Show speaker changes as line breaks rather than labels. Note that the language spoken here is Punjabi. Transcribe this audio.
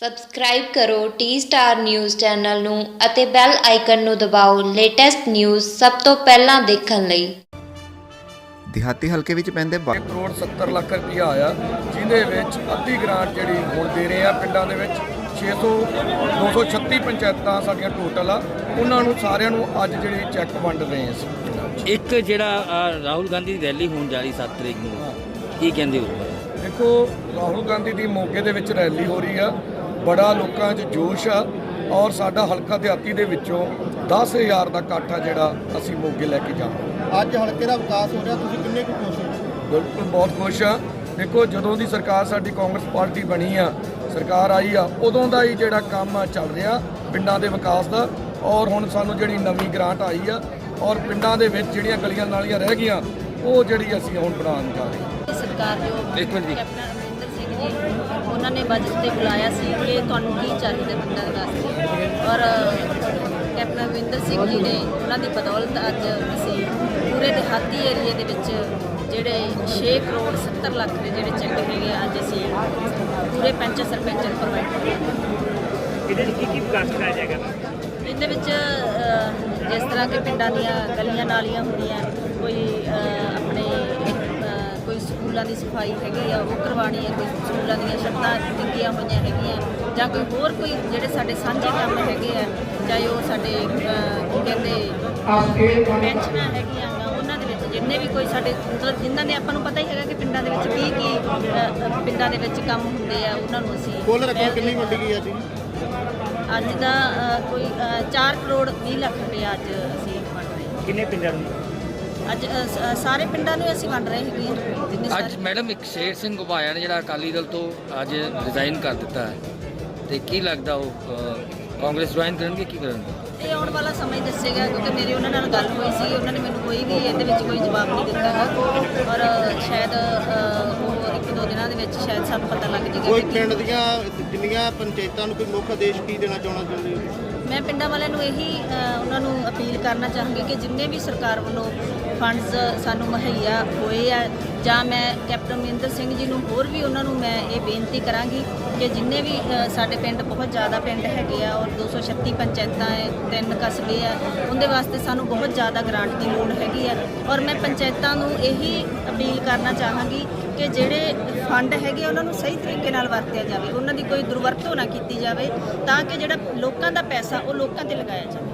ਸਬਸਕ੍ਰਾਈਬ ਕਰੋ ਟੀ ਸਟਾਰ ਨਿਊਜ਼ ਚੈਨਲ ਨੂੰ ਅਤੇ ਬੈਲ ਆਈਕਨ ਨੂੰ ਦਬਾਓ ਲੇਟੈਸਟ ਨਿਊਜ਼ ਸਭ ਤੋਂ ਪਹਿਲਾਂ ਦੇਖਣ ਲਈ।
ਦਿਹਾਤੀ ਹਲਕੇ ਵਿੱਚ ਪੈਂਦੇ
1 ਕਰੋੜ 70 ਲੱਖ ਰੁਪਇਆ ਆਇਆ, ਜਿਹਦੇ ਵਿੱਚ ਅੱਧੀ ਗ੍ਰਾਂਟ ਜਿਹੜੀ ਹੁਣ ਦੇ ਰਹੇ ਆ ਪਿੰਡਾਂ ਦੇ ਵਿੱਚ 236 ਪੰਚਾਇਤਾਂ ਸਾਡੀਆਂ ਟੋਟਲ ਆ, ਉਹਨਾਂ ਨੂੰ ਸਾਰਿਆਂ ਨੂੰ ਅੱਜ ਜਿਹੜੀ ਚੈੱਕ ਵੰਡ ਰਹੇ ਅਸੀਂ।
ਇੱਕ ਜਿਹੜਾ ਰਾਹੁਲ ਗਾਂਧੀ ਦੀ ਰੈਲੀ ਹੋਣ ਜਾ ਰਹੀ 7 ਤਰੀਕ ਨੂੰ, ਕੀ ਕਹਿੰਦੇ ਹੋ?
ਦੇਖੋ, ਰਾਹੁਲ ਗਾਂਧੀ ਦੀ ਮੋਗੇ ਦੇ ਵਿੱਚ ਰੈਲੀ ਹੋ ਰਹੀ ਆ, ਬੜਾ ਲੋਕਾਂ 'ਚ ਜੋਸ਼ ਆ ਔਰ ਸਾਡਾ ਹਲਕਾ ਦਿਹਾਤੀ ਦੇ ਵਿੱਚੋਂ 10,000 ਦਾ ਇਕੱਠ ਆ ਜਿਹੜਾ ਅਸੀਂ ਮੋਗੇ ਲੈ ਕੇ ਜਾਵਾਂਗੇ।
ਅੱਜ ਹਲਕੇ ਦਾ ਵਿਕਾਸ ਹੋ ਰਿਹਾ, ਤੁਸੀਂ ਕਿੰਨੇ ਕੁ ਖੁਸ਼ ਹੋ?
ਬਿਲਕੁਲ ਬਹੁਤ ਖੁਸ਼ ਆ। ਦੇਖੋ, ਜਦੋਂ ਦੀ ਸਰਕਾਰ ਸਾਡੀ ਕਾਂਗਰਸ ਪਾਰਟੀ ਬਣੀ ਆ, ਸਰਕਾਰ ਆਈ ਆ, ਉਦੋਂ ਦਾ ਹੀ ਜਿਹੜਾ ਕੰਮ ਆ ਚੱਲ ਰਿਹਾ ਪਿੰਡਾਂ ਦੇ ਵਿਕਾਸ ਦਾ। ਔਰ ਹੁਣ ਸਾਨੂੰ ਜਿਹੜੀ ਨਵੀਂ ਗ੍ਰਾਂਟ ਆਈ ਆ ਔਰ ਪਿੰਡਾਂ ਦੇ ਵਿੱਚ ਜਿਹੜੀਆਂ ਗਲੀਆਂ ਨਾਲੀਆਂ ਰਹਿ ਗਈਆਂ ਉਹ ਜਿਹੜੀ ਅਸੀਂ ਹੁਣ ਬਣਾਉਣ ਜਾ ਰਹੇ ਹਾਂ।
ਸਰਕਾਰ ਜੋ ਕੈਪਟਨ ਅਮਰਿੰਦਰ ਸਿੰਘ ਜੀ ਉਹਨਾਂ ਨੇ ਬਜਟ ਤੇ ਬੁਲਾਇਆ ਸੀ ਕਿ ਤੁਹਾਨੂੰ ਕੀ ਚਾਹੀਦਾ ਪਿੰਡਾਂ ਦੇ ਵਾਸਤੇ, ਔਰ ਕੈਪਟਨ ਅਮਰਿੰਦਰ ਸਿੰਘ ਜੀ ਨੇ ਉਹਨਾਂ ਦੀ ਬਦੌਲਤ ਅੱਜ ਅਸੀਂ ਪੂਰੇ ਦਿਹਾਤੀ ਏਰੀਏ ਦੇ ਵਿੱਚ ਜਿਹੜੇ 6 ਕਰੋੜ 70 ਲੱਖ ਦੇ ਜਿਹੜੇ ਚੈੱਕ ਹੈਗੇ ਅੱਜ ਅਸੀਂ ਪੂਰੇ ਪੰਚ ਸਰਪੰਚ ਨੂੰ ਪ੍ਰੋਵਾਈਡ ਕਰਦੇ ਹਾਂ।
ਇਹਦੇ ਵਿੱਚ ਕੀ ਵਿਕਾਸ ਕਰਾਇਆ ਜਾਏਗਾ?
ਇਹਦੇ ਵਿੱਚ ਜਿਸ ਤਰ੍ਹਾਂ ਕਿ ਪਿੰਡਾਂ ਦੀਆਂ ਗਲੀਆਂ ਨਾਲੀਆਂ ਹੁੰਦੀਆਂ, ਕੋਈ ਆਪਣੇ ਕੋਈ ਸਕੂਲਾਂ ਦੀ ਸਫਾਈ ਹੈਗੀ ਆ ਉਹ ਕਰਵਾਉਣੀ ਹੈ, ਕੋਈ ਸਕੂਲਾਂ ਦੀਆਂ ਛੱਤਾਂ ਡਿੱਗੀਆਂ ਹੋਈਆਂ ਹੈਗੀਆਂ, ਜਾਂ ਕੋਈ ਜਿਹੜੇ ਸਾਡੇ ਸਾਂਝੇ ਕੰਮ ਹੈਗੇ ਆ, ਚਾਹੇ ਉਹ ਸਾਡੇ ਕੀ ਕਹਿੰਦੇ ਪੈਨਸ਼ਨਾਂ ਹੈਗੀਆਂ ਗਾ, ਉਹਨਾਂ ਦੇ ਵਿੱਚ ਜਿੰਨੇ ਵੀ ਕੋਈ ਸਾਡੇ ਮਤਲਬ ਜਿਨ੍ਹਾਂ ਦੇ ਆਪਾਂ ਨੂੰ ਪਤਾ ਹੀ ਹੈਗਾ ਕਿ ਪਿੰਡਾਂ ਦੇ ਵਿੱਚ ਕੀ ਪਿੰਡਾਂ ਦੇ ਵਿੱਚ ਕੰਮ ਹੁੰਦੇ ਆ, ਉਹਨਾਂ ਨੂੰ ਅਸੀਂ
ਕੁੱਲ ਰਕਮ ਕਿੰਨੀ ਵੰਡੀ ਗਈ ਅੱਜ?
ਅੱਜ ਦਾ ਕੋਈ 4 ਕਰੋੜ 20 ਲੱਖ ਰੁਪਏ ਅੱਜ ਅਸੀਂ ਵੰਡ ਰਹੇ ਹਾਂ।
ਕਿੰਨੇ ਪਿੰਡਾਂ ਨੂੰ?
ਅੱਜ ਸਾਰੇ ਪਿੰਡਾਂ ਨੂੰ ਅਸੀਂ ਵੰਡ ਰਹੇ ਹੈਗੇ ਹਾਂ ਜਿੰਨੇ
ਅੱਜ
ਸਾਰੇ।
ਮੈਡਮ ਇੱਕ ਸ਼ੇਰ ਸਿੰਘ ਘੁਬਾਇਆ ਨੇ ਜਿਹੜਾ ਅਕਾਲੀ ਦਲ ਤੋਂ ਅੱਜ ਰਿਜ਼ਾਈਨ ਕਰ ਦਿੱਤਾ ਹੈ, ਤੇ ਕੀ ਲੱਗਦਾ ਉਹ ਕਾਂਗਰਸ ਜੁਆਇਨ ਕਰਨਗੇ, ਕੀ ਕਰਨਗੇ?
ਇਹ ਆਉਣ ਵਾਲਾ ਸਮਾਂ ਹੀ ਦੱਸੇਗਾ, ਕਿਉਂਕਿ ਮੇਰੀ ਉਹਨਾਂ ਨਾਲ ਗੱਲ ਹੋਈ ਸੀ, ਉਹਨਾਂ ਨੇ ਮੈਨੂੰ ਕੋਈ ਵੀ ਇਹਦੇ ਵਿੱਚ ਕੋਈ ਜਵਾਬ ਨਹੀਂ ਦਿੱਤਾ ਹੈ, ਔਰ ਸ਼ਾਇਦ ਉਹ 1-2 ਦਿਨਾਂ ਦੇ ਵਿੱਚ ਸ਼ਾਇਦ ਸਾਨੂੰ ਪਤਾ ਲੱਗ ਜਾਏਗਾ।
ਕੋਈ ਪਿੰਡ ਦੀਆਂ ਜਿੰਨੀਆਂ ਪੰਚਾਇਤਾਂ ਨੂੰ ਕੋਈ ਮੁੱਖ ਆਦੇਸ਼ ਕੀ ਦੇਣਾ ਚਾਹੁੰਦੇ ਹੋ?
ਮੈਂ ਪਿੰਡਾਂ ਵਾਲਿਆਂ ਨੂੰ ਇਹੀ ਉਹਨਾਂ ਨੂੰ ਅਪੀਲ ਕਰਨਾ ਚਾਹਾਂਗੀ ਕਿ ਜਿੰਨੇ ਵੀ ਸਰਕਾਰ ਵੱਲੋਂ ਫੰਡਸ ਸਾਨੂੰ ਮੁਹੱਈਆ ਹੋਏ ਆ, ਜਾਂ ਮੈਂ ਕੈਪਟਨ ਅਮਰਿੰਦਰ ਸਿੰਘ ਜੀ ਨੂੰ ਹੋਰ ਵੀ ਉਹਨਾਂ ਨੂੰ ਮੈਂ ਇਹ ਬੇਨਤੀ ਕਰਾਂਗੀ ਕਿ ਜਿੰਨੇ ਵੀ ਸਾਡੇ ਪਿੰਡ ਬਹੁਤ ਜ਼ਿਆਦਾ ਪਿੰਡ ਹੈਗੇ ਆ ਔਰ 236 ਪੰਚਾਇਤਾਂ ਹੈ, 3 ਕਸਬੇ ਆ, ਉਹਦੇ ਵਾਸਤੇ ਸਾਨੂੰ ਬਹੁਤ ਜ਼ਿਆਦਾ ਗ੍ਰਾਂਟ ਦੀ ਲੋੜ ਹੈਗੀ ਆ। ਔਰ ਮੈਂ ਪੰਚਾਇਤਾਂ ਨੂੰ ਇਹੀ ਅਪੀਲ ਕਰਨਾ ਚਾਹਾਂਗੀ ਕਿ ਜਿਹੜੇ ਫੰਡ ਹੈਗੇ ਉਹਨਾਂ ਨੂੰ ਸਹੀ ਤਰੀਕੇ ਨਾਲ ਵਰਤਿਆ ਜਾਵੇ, ਉਹਨਾਂ ਦੀ ਕੋਈ ਦੁਰਵਰਤੋਂ ਨਾ ਕੀਤੀ ਜਾਵੇ, ਤਾਂ ਕਿ ਜਿਹੜਾ ਲੋਕਾਂ ਦਾ ਪੈਸਾ ਉਹ ਲੋਕਾਂ 'ਤੇ ਲਗਾਇਆ ਜਾਵੇ।